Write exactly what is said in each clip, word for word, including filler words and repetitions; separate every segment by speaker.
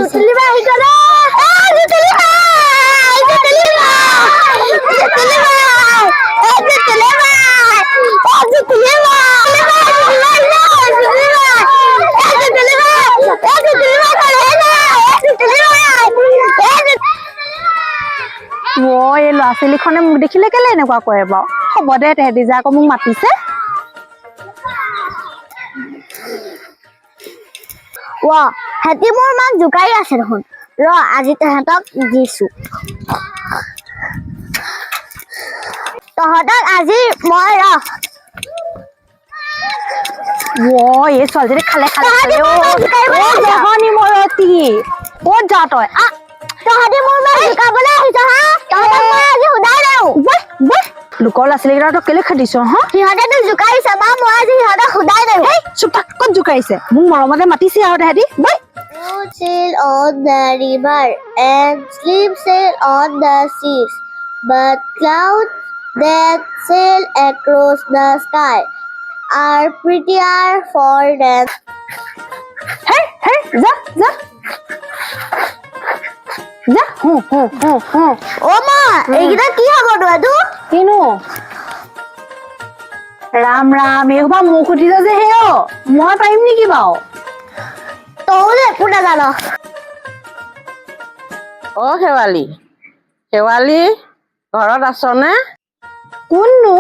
Speaker 1: জুতুলি বা আহি গ'লে এ জুতুলি বা জুতুলি বা জুতুলি বা এ জুতুলি বা এ জুতুলি বা
Speaker 2: মই এই ল'ৰা ছোৱালীখনে মোক দেখিলে কেলে এনেকুৱা কৰে বাৰু হ'ব দে তেহেঁতি যে আকৌ মোক মাতিছে
Speaker 1: ৱা হেতি মোৰ মাক জোকাৰি আছে দেখোন ৰ আজি তেহেঁতক দিছো তহঁতক আজি মই ৰ
Speaker 2: Whoa, ये सोल्जरी खाले खाले खाले ओ ओ जहानी मरती ओ जातो है आ
Speaker 1: तहदी मोर में झुकाबले आहिस हा तहद मैं आज हुदाई देउ
Speaker 2: बे बे लुकोला सिलेगरा तो केले खदिसो ह
Speaker 1: हिहदे तो झुकाइस बा मैं आज हिहदे हुदाई देउ
Speaker 2: हे चुप थाक कोन झुकाइसे मु मरमते मातिसि आ हेदी बे
Speaker 1: You sail on the river and sleep sail on the seas but clouds that sail across the sky are prettier for them.
Speaker 2: Hey, hey, जा जा जा हु हु हु हु
Speaker 1: ओ मा एगिरा की हबो दादू
Speaker 2: किनु राम राम एकबा मुख उठिस जे हेओ মই পাৰিম নেকি বাও
Speaker 1: তোলে পুনা জানো
Speaker 3: ও খেৱালি খেৱালি ঘৰত আছনে
Speaker 2: কোননো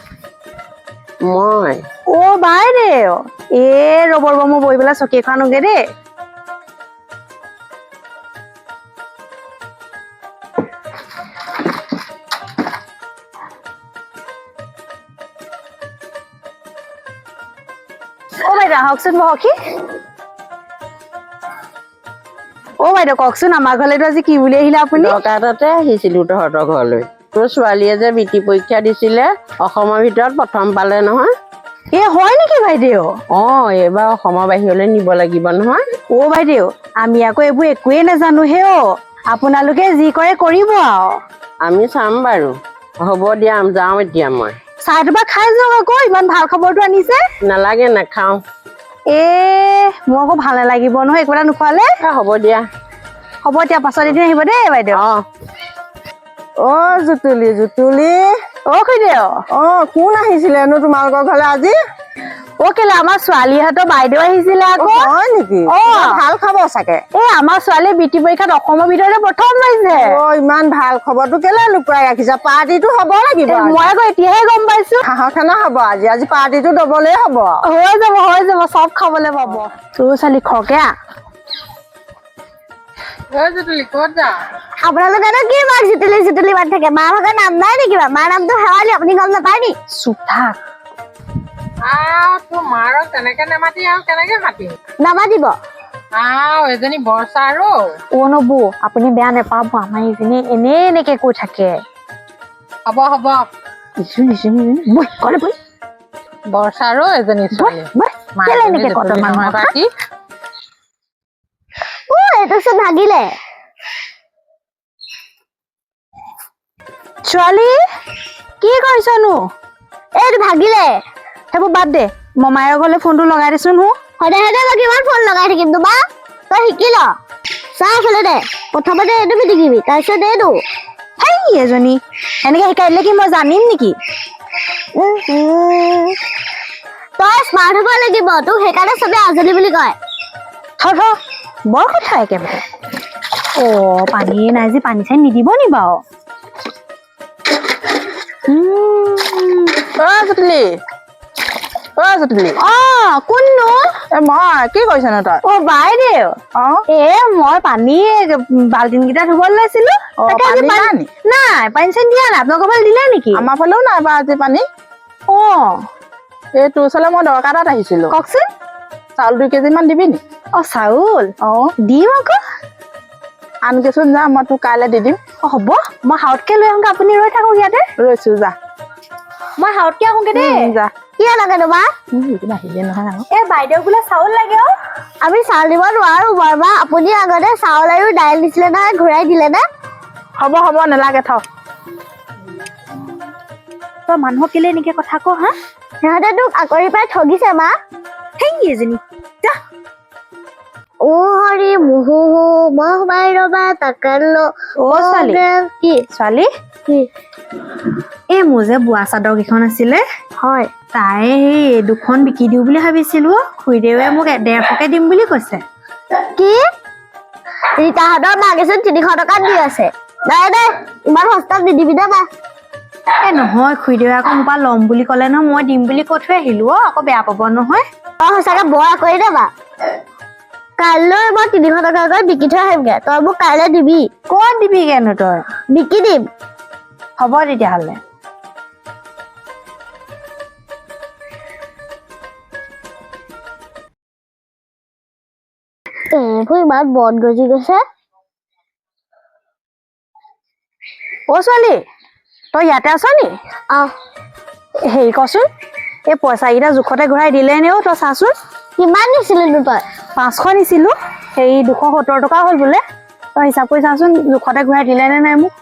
Speaker 3: মই
Speaker 2: ও বাইৰে এ ৰবৰ বম বই বেলা চকী খানোগে দে ও বাইদা হকচোন বহকি ও বাইদা ককচোন আমাৰ ঘৰলে আজি কি বুলি আহিলা আপুনি
Speaker 3: দৰকাৰতে আহিছিলো তহঁতৰ ঘৰলৈ তোৰ ছোৱালীয়ে যে বিটি পৰীক্ষা দিছিলে অসমৰ ভিতৰত প্ৰথম পালে নহয়
Speaker 2: এ হয় নেকি বাইদেউ
Speaker 3: অ এবাৰ অসমৰ বাহিৰলৈ নিব লাগিব নহয়
Speaker 2: ও বাইদেউ আমি আকৌ এইবোৰ একোৱে নাজানো হেও আপোনালোকে যি কৰে কৰিব আও
Speaker 3: আমি চাম বাৰু হ'ব দিয়া যাওঁ এতিয়া মই
Speaker 2: চাহটো খাই যাওক আকৌ ইমান ভাল খবৰটো আনিছে
Speaker 3: নালাগে নাখাওঁ
Speaker 2: এ মোৰ আকৌ ভাল নালাগিব নহয় একোটা নোখোৱালে
Speaker 3: হ'ব দিয়া
Speaker 2: হ'ব এতিয়া পাছত এদিন আহিব দেই বাইদেউ
Speaker 3: অ অ জুতুলি জুতুলি
Speaker 2: অ খুইদেউ
Speaker 3: অ কোন আহিছিলেনো তোমালোকৰ ঘৰলৈ আজি
Speaker 2: অ কেলে আমাৰ ছোৱালীহঁতৰ বাইদেউ আহিছিলে আকৌ
Speaker 3: হয় নেকি
Speaker 2: অ
Speaker 3: ভাল খবৰ চাগে
Speaker 2: এ আমাৰ ছোৱালী বিটি পৰীক্ষাত অসমৰ ভিতৰতে প্ৰথম পাইছে
Speaker 3: অ ইমান ভাল খবৰটো কেলে লুকুৱাই ৰাখিছা পাৰ্টিটো হ'ব লাগিব
Speaker 2: মই আকৌ এতিয়াহে গম পাইছো
Speaker 3: হাঁহৰ খানা হ'ব আজি আজি পাৰ্টিটো দবলে হ'ব
Speaker 2: হৈ যাব হৈ যাব চব খাবলৈ পাব তোৰ ছোৱালী খৰকে
Speaker 1: আপোনালোকে কি মাক জুতুলি জুতুলি মাত থাকে মা ভাগৰ নাম নাই নেকি মাৰ নামটো হেৱালি আপুনি গম নাপায় নি
Speaker 2: চুপ থাক
Speaker 4: আও তো মাৰক তেনেকে নেমাতি আৰু কেনেকে মাতিম
Speaker 1: নামাতিব
Speaker 4: আও এজনী বৰ্ষা আৰু
Speaker 2: অ নবৌ আপুনি বেয়া নেপাব আমাৰ ইজনী এনে এনেকে কৈ থাকে
Speaker 4: হ'ব হ'ব
Speaker 2: ইজনী ইজনী বৈ কলে বৈ
Speaker 4: বৰ্ষা আৰু এজনী ছোৱালী
Speaker 2: বৈ কেলে এনেকে কত মানুহৰ
Speaker 4: বাকী
Speaker 1: ও এইটো চোন ভাগিলে
Speaker 2: ছোৱালী কি কৰিছনো
Speaker 1: এইটো ভাগিলে
Speaker 2: সেইবোৰ বাদ দে মমায়েৰ ঘৰলে ফোনটো লগাই দেচোন হো
Speaker 1: সদায় সদায় মই কিমান ফোন লগাই থাকিম তোমাৰ তই শিকি ল চাহ খেলে দে প্ৰথমতে এইটো পিটিকিবি তাৰপিছত এইটো
Speaker 2: হেই এজনী এনেকে শিকাই দিলে কি মই জানিম নেকি
Speaker 1: তই স্মাৰ্ট হ'ব লাগিব তোক সেইকাৰণে চবে আজলি বুলি কয়
Speaker 2: থ থ বৰ কথা একেবাৰে অ পানী নাই যে পানী চাই নিদিব নি বাৰু
Speaker 3: অ জুতুলি অ জুতুলি
Speaker 2: অ কোননো
Speaker 3: এ মই কি কৰিছনো তই
Speaker 2: অ বাইদেউ
Speaker 3: অ
Speaker 2: এ মই পানী বাল্টিন কেইটা ধুব লৈছিলো নাই পানী চানী দিয়া নাই আপোনালোকৰ ফালে দিলে নেকি
Speaker 3: আমাৰ ফালেও নাই বা আজি পানী
Speaker 2: অ
Speaker 3: এই তোৰ ওচৰলৈ মই দৰকাৰ এটাত আহিছিলো
Speaker 2: কওকচোন
Speaker 3: চাউল দুই কেজি মান দিবি নি
Speaker 2: অ চাউল
Speaker 3: অ
Speaker 2: দিম আকৌ
Speaker 3: আনকেচোন যা মই তোক কাইলৈ দি দিম
Speaker 2: অ হ'ব মই হাউতকে লৈ আহোঁগে আপুনি ৰৈ থাকক ইয়াতে
Speaker 3: ৰৈছো যা
Speaker 2: মই হাউতকে আহোঁগে দেই
Speaker 3: যা
Speaker 1: কি লাগে তোমাৰ
Speaker 3: আহিলে নহয় আৰু
Speaker 2: এ বাইদেউ বোলে চাউল লাগে অ
Speaker 1: আমি চাউল দিব নোৱাৰো বৰমা আপুনি আগতে চাউল আৰু দাইল দিছিলে নহয় ঘূৰাই দিলে নে
Speaker 3: হ'ব হ'ব নালাগে থ
Speaker 2: তই মানুহক কেলে এনেকে কথা ক হা
Speaker 1: সিহঁতে তোক আকৰি পাই ঠগিছে মা
Speaker 2: হেই এজনী যা
Speaker 1: ও হৰি মুহু মহ মাই ৰবা তাকালো
Speaker 2: অ ছোৱালী
Speaker 1: কি
Speaker 2: ছোৱালী
Speaker 1: কি
Speaker 2: এই মোৰ যে বোৱা চাদৰ কেইখন আছিলে
Speaker 1: হয়
Speaker 2: তাই সেই দুখন বিকি দিওঁ বুলি ভাবিছিলো খুৰীদেৱে মোক ডেৰশকে দিম বুলি কৈছে
Speaker 1: কি ৰীতাহঁতৰ মাকেচোন তিনিশ টকাত দি আছে নাই দে ইমান সস্তাত নিদিবি দে বা
Speaker 2: এ নহয় খুৰীদেৱে আকৌ মোৰ পৰা ল'ম বুলি ক'লে ন মই দিম বুলি কৈ থৈ আহিলো অ আকৌ বেয়া পাব নহয়
Speaker 1: তই সঁচাকে বৰ কৰি দে বা কাইলৈ মই তিনিশ টকাকৈ বিকি থৈ আহিমগে তই মোক কাইলৈ দিবি
Speaker 2: ক'ত দিবিগেনো তই
Speaker 1: বিকি দিম
Speaker 2: হ'ব তেতিয়াহ'লে
Speaker 1: এইবোৰ ইমান বন গজি গৈছে
Speaker 2: অ ছোৱালী তই ইয়াতে আছ নি
Speaker 1: আহ
Speaker 2: হেৰি কচোন এই পইচাকেইটা জোখতে ঘূৰাই দিলে নে অ' তই চাচোন
Speaker 1: কিমান দিছিলিনো তই
Speaker 2: পাঁচশ নিছিলো সেই দুশ সত্তৰ টকা হ'ল বোলে তই হিচাপ কৰি চাচোন জোখতে ঘূৰাই দিলে নে নাই মোক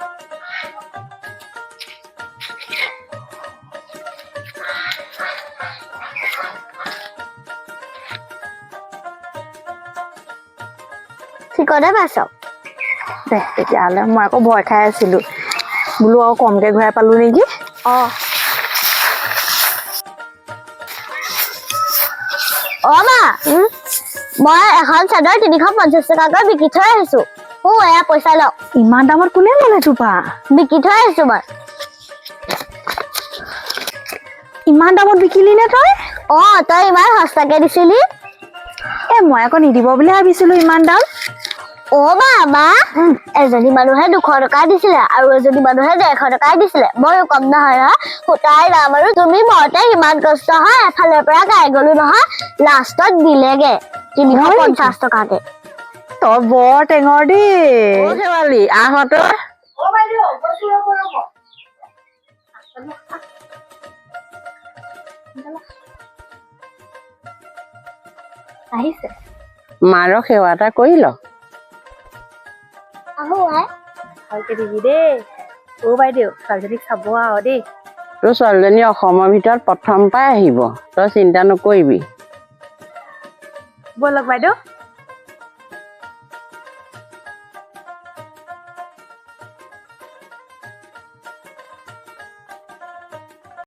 Speaker 1: ঠিকতে পাইছ
Speaker 2: দে তেতিয়াহ'লে মই আকৌ ভয় খাই আছিলো বোলো আৰু কমকে ঘূৰাই পালো নেকি
Speaker 1: অ অ মা মই এখন চাদৰ তিনিশ পঞ্চাছ টকাকৈ বিকি থৈ আহিছো অ এয়া পইচা লওক
Speaker 2: ইমান দামত কোনে ল'লে তোপা
Speaker 1: বিকি থৈ আহিছো মই
Speaker 2: ইমান দামত বিকিলি নে তই
Speaker 1: অ তই ইমান সস্তাকে দিছিলি
Speaker 2: এ মই আকৌ নিদিব বুলি ভাবিছিলো ইমান দাম
Speaker 1: অ মা মা এজনী মানুহে দুশ টকা দিছিলে আৰু এজনী মানুহে ডেৰশ টকাই দিছিলে মই কম নহয় নহয় সূতাৰ দাম আৰু তুমি মতে ইমান কষ্ট হয় এফালৰ পৰা গাই গলো নহয় লাষ্টত দিলেগে তিনিশ পঞ্চাছ টকাকে
Speaker 2: তই বৰ টেঙৰ দেই
Speaker 3: অ শেৱালি আহঁতো
Speaker 2: আহিছে
Speaker 3: মাৰক সেৱা এটা কৰি ল
Speaker 1: আহো আই
Speaker 2: ভালকে দিবি দেই অ বাইদেউ ছোৱালীজনীক চাব আৰু দেই
Speaker 3: তোৰ ছোৱালীজনী অসমৰ ভিতৰত প্ৰথম পাই আহিব তই চিন্তা নকৰিবি
Speaker 2: ব'লক বাইদেউ